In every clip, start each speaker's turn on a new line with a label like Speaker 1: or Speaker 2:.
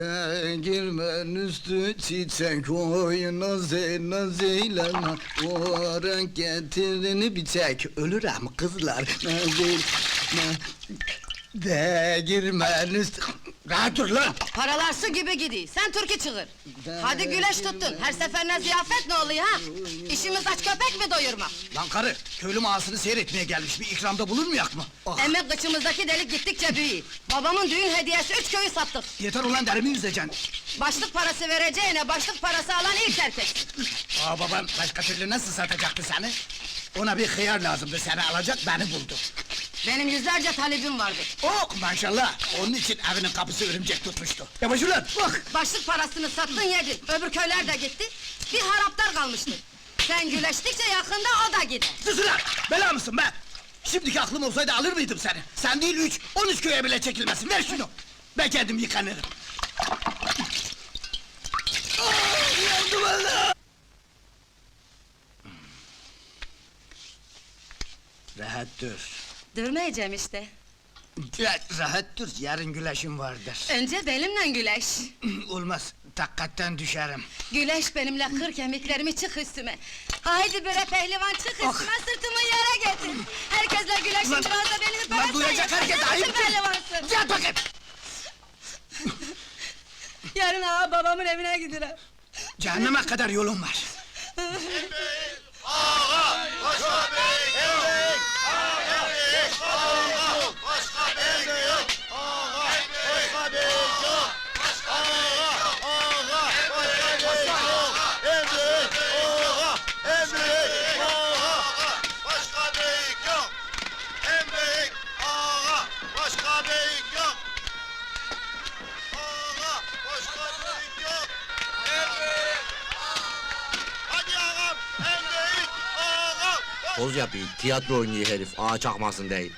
Speaker 1: Girmen üstü çiçek naz eyleme. O renk getirini bir çek. Ölürüm kızlar de girmen üstü. Rahat dur lan!
Speaker 2: Paralar su gibi gidiyor, sen türkü çığır! Hadi güleş tuttun, her seferine ziyafet ne oluyor ha? İşimiz aç köpek mi doyurmak?
Speaker 1: Lan karı, köylü mağasını seyretmeye gelmiş, bir ikramda bulunmayak mı? Ah!
Speaker 2: Emek kıçımızdaki delik gittikçe büyüyor. Babamın düğün hediyesi 3 köyü sattık.
Speaker 1: Yeter ulan, derimi yüzeceksin!
Speaker 2: Başlık parası vereceğine başlık parası alan ilk erkek.
Speaker 1: Babam başka türlü nasıl satacaktı seni? Ona bir hıyar lazımdı, seni alacak, beni buldu.
Speaker 2: Benim yüzlerce talebim vardı.
Speaker 1: Oh maşallah! Onun için evinin kapısı örümcek tutmuştu. Yavaş ulan, bak!
Speaker 2: Başlık parasını sattın yedin, öbür köyler de gitti. Bir haraptar kalmıştı. Sen güleştikçe yakında o da gider.
Speaker 1: Sus ulan! Bela mısın be? Şimdiki aklım olsaydı alır mıydım seni? Sen değil 13 köye bile çekilmesin, ver şunu! Ben kendim yıkanırım. Yandım Allah! Rahat dur.
Speaker 2: Durmayacağım işte.
Speaker 1: Rahat dur, yarın güleşim vardır.
Speaker 2: Önce benimle güleş.
Speaker 1: Olmaz, takkatten düşerim.
Speaker 2: Güleş benimle kır kemiklerimi çık üstüme. Haydi bre pehlivan çık üstüme, sırtımı yere getir. Herkesle güleşin,
Speaker 1: Ulan-
Speaker 2: biraz da beni
Speaker 1: ulan duyacak herkes, ayıp!
Speaker 2: pehlivansın.
Speaker 1: Yat bakayım!
Speaker 2: Yarın ağa babamın evine giderim.
Speaker 1: Cehenneme kadar yolun var.
Speaker 3: Poz yapıyor, tiyatro oynuyor herif, ağa çakmasın değil.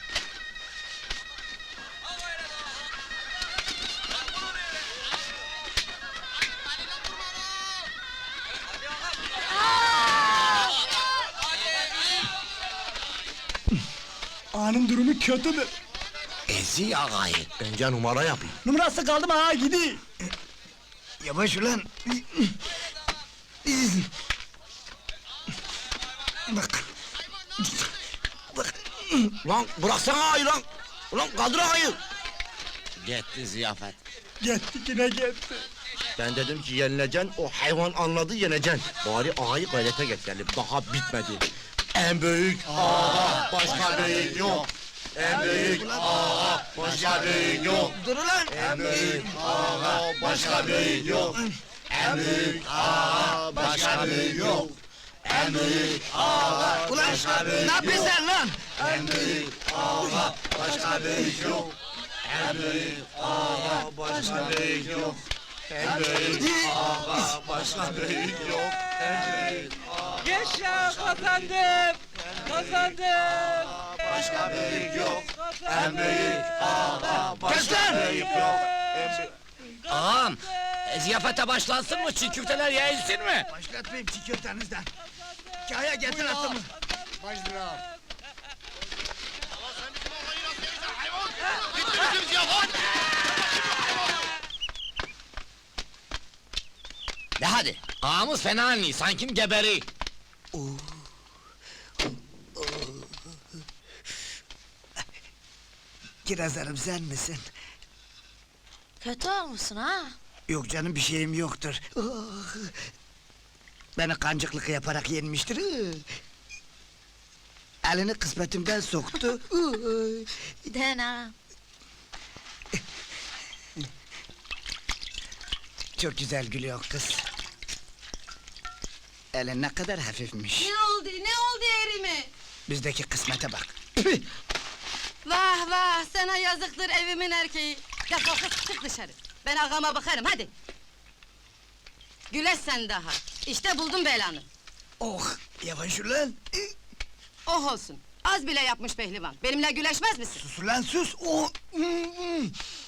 Speaker 1: Ağanın durumu kötüdür.
Speaker 3: Ezi ağayı. Bence numara yapıyor.
Speaker 1: Numarası kaldı mı ağa gidi. Yavaş ulan. Bak. Bak.
Speaker 3: Lan bıraksana ağayı lan! Ulan kaldır ağayı! Gitti ziyafet.
Speaker 1: Gitti yine gitti.
Speaker 3: Ben dedim ki yenileceksin, o hayvan anladı yeneceksin. Bari ağayı gayrete getirelim, daha bitmedi. En büyük ağa, başka büyük yok. En büyük ağa, başka büyük yok.
Speaker 1: Dur ulan.
Speaker 3: En büyük ağa, başka büyük yok. En büyük ağa, başka büyük yok. En büyük ağa,
Speaker 1: Ulan ne yapıyorsun sen lan?
Speaker 3: en büyük ağa, başka büyük yok. En büyük ağa, başka büyük yok. En büyük ağa, başka büyük yok. En büyük
Speaker 4: Yaşa kazandım! Kazandım!
Speaker 3: başka büyük yok. En büyük ağa, başka büyük yok.
Speaker 5: Ağam, ziyafete başlansın mı? Çiğ köfteler yayılsın mı?
Speaker 1: Başlatmayayım çiğ köftenizden. Kaya getir atımı.
Speaker 5: De hadi, ağamız fena anlıyor, sanki geberi.
Speaker 1: Kirazlarım sen misin?
Speaker 2: Kötü olmuşsun ha?
Speaker 1: Yok canım bir şeyim yoktur. Beni kancıklık yaparak yenmiştir. Elini kısmetimden soktu.
Speaker 2: Dena.
Speaker 1: Çok güzel gülüyor kız. Elin ne kadar hafifmiş.
Speaker 2: Ne oldu erime?
Speaker 1: Bizdeki kısmete bak.
Speaker 2: Vah vah, sana yazıktır evimin erkeği. Defol kız, çık dışarı. Ben ağama bakarım, hadi. Güleş sen daha. İşte buldum belanı.
Speaker 1: Oh, yavaş ulan.
Speaker 2: Oh olsun. Az bile yapmış pehlivan. Benimle güleşmez misin?
Speaker 1: Sus ulan sus. Oh.